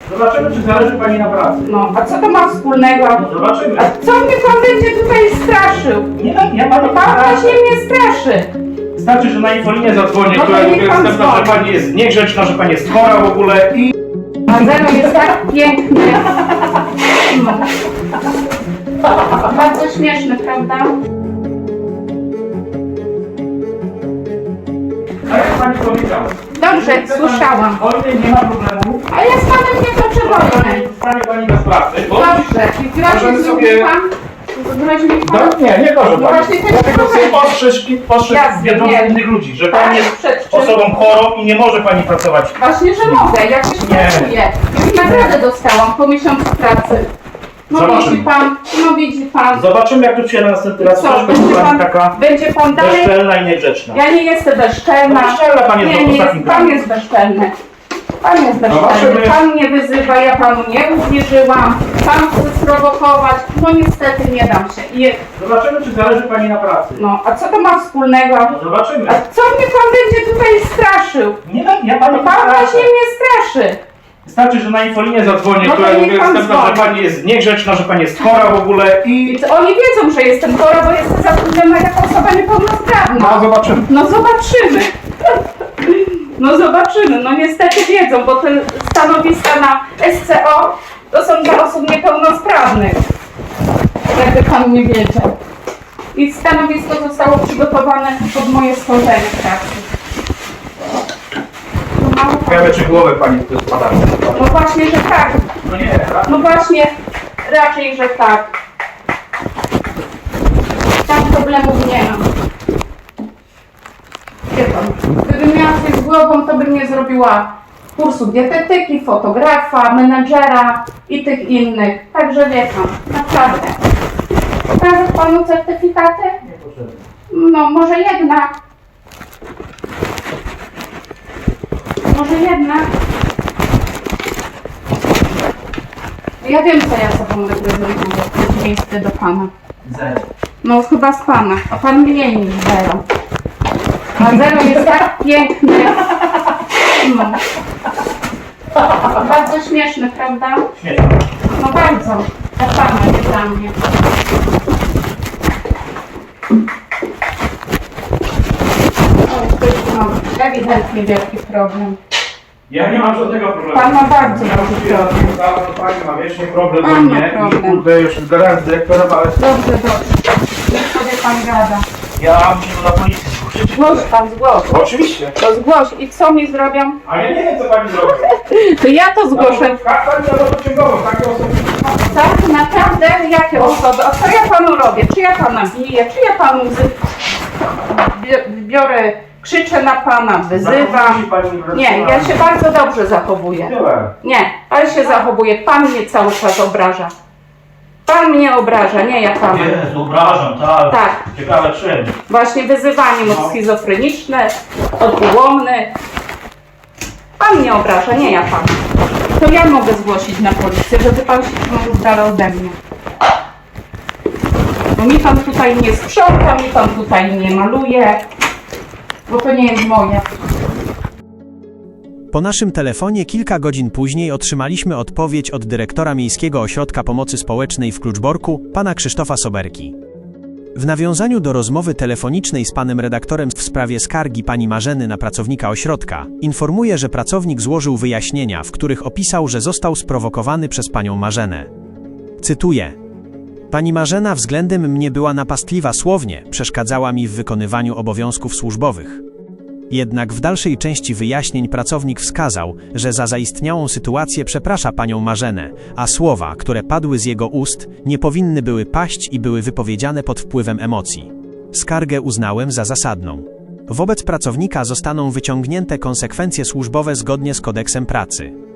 Zobaczymy, czy zależy pani na pracy. No, a co to ma wspólnego? Zobaczymy. A co mnie pan będzie tutaj straszył? Nie pani Pan właśnie mnie straszy. Wystarczy, że na infolinię zadzwonię, No to która niech jest pan następna, że dzwoni. pani jest niegrzeczna, że pani jest chora w ogóle i... A zero jest tak piękny. No. Bardzo śmieszny, prawda? Tak jak pani powiedziała. Dobrze, słyszałam. Wojny nie ma problemu. A ja z panem nie toczę wojny. Zostanie pani bez pracy. Bo... Dobrze. I grozi Możemy mi sobie- pan? Grozi mi pan? Nie proszę No pani. właśnie, to Dlatego jest chcę problem. ostrzec Jasne, wiadomo wiem. innych ludzi, że Tak, pani jest przed czym? osobą chorą i nie może pani pracować. Właśnie, że mogę. Jakoś Nie. pracuję. Już nagrodę dostałam po miesiącu pracy. No Zobaczymy. widzi pan. Zobaczymy, jak tu przyjdę następny raz. Co, Też będzie pani taka będzie pan dalej? bezczelna i niegrzeczna. Ja nie jestem bezczelna. No bezczelna pani jest Nie, w nie, ostatnim pan czasie. jest bezczelny. Pan jest bezczelny. Zobaczymy. Pan mnie wyzywa, ja panu nie uwierzyłam. Pan chce sprowokować. No niestety nie dam się. Zobaczymy, czy zależy pani na pracy. No, a co to ma wspólnego? Zobaczymy. A co mnie pan będzie tutaj straszył? Nie pani Pan właśnie mnie straszy. Wystarczy, że na infolinię zadzwonię, No to która niech jest pan następna, że dzwoni. pani jest niegrzeczna, że pani jest chora w ogóle i... I oni wiedzą, że jestem chora, bo jestem zatrudniona jako osoba niepełnosprawna. zobaczymy. No zobaczymy. No zobaczymy. No niestety wiedzą, bo te stanowiska na SCO to są dla osób niepełnosprawnych. Jakby pan nie wiedział. I stanowisko zostało przygotowane pod moje stworzenie pracy. No mało pan- Ciekawe, czy głowę pani tu spada. No właśnie, że tak. No nie, No właśnie, raczej, że tak. Tam problemów nie mam. Wie pan, gdybym miała coś z głową, to bym nie zrobiła kursu dietetyki, fotografa, menadżera i tych innych. Także wie pan, naprawdę. Pokażę panu certyfikaty? nie potrzebne. No, może jednak. Może jednak. Ja wiem, co ja sobą reprezentuję w przeciwieństwie do pana. Zero. No chyba z pana, a pan mniej niż zero. A zero jest tak piękny. No. Bardzo śmieszny, prawda? Śmieszne. No bardzo. Dla pana, nie dla mnie. O, ktoś tu ma ewidentnie wielki problem. Ja nie mam żadnego problemu. Pan ma bardzo duży problem. Pani ma wiecznie problem Pan do ma mnie problem. i kurde już raz dyrektorowałem. Dobrze, dobrze. Niech sobie pan gada. Ja muszę to na policji zgłosić. Zgłoś pan, zgłoś. Oczywiście. To zgłoś. I co mi zrobią? A ja nie wiem, co pani zrobi. To ja to zgłoszę. Pani na dociągową, takie osoby. Tak, naprawdę? Jakie osoby? A co ja panu robię? Czy ja pana biję? Czy ja panu biorę, krzyczę na pana, wyzywam? Nie, ja się bardzo dobrze zachowuję. Tyle. Nie, ale się zachowuję. Pan mnie cały czas obraża. Pan mnie obraża, nie ja pana. Jezu, obrażam, tak. Tak. Ciekawe czym. Właśnie wyzywaniem od schizofreniczne, od ułomny. Pan mnie obraża, nie ja pana. To ja mogę zgłosić na policję, żeby pan się trzymał z dala ode mnie. Bo mi pan tutaj nie sprząta, mi pan tutaj nie maluje, bo to nie jest moje. Po naszym telefonie kilka godzin później otrzymaliśmy odpowiedź od dyrektora Miejskiego Ośrodka Pomocy Społecznej w Kluczborku, pana Krzysztofa Soberki. W nawiązaniu do rozmowy telefonicznej z panem redaktorem w sprawie skargi pani Marzeny na pracownika ośrodka, informuję, że pracownik złożył wyjaśnienia, w których opisał, że został sprowokowany przez panią Marzenę. Cytuję: Pani Marzena względem mnie była napastliwa słownie, przeszkadzała mi w wykonywaniu obowiązków służbowych. Jednak w dalszej części wyjaśnień pracownik wskazał, że za zaistniałą sytuację przeprasza panią Marzenę, a słowa, które padły z jego ust, nie powinny były paść i były wypowiedziane pod wpływem emocji. Skargę uznałem za zasadną. Wobec pracownika zostaną wyciągnięte konsekwencje służbowe zgodnie z kodeksem pracy.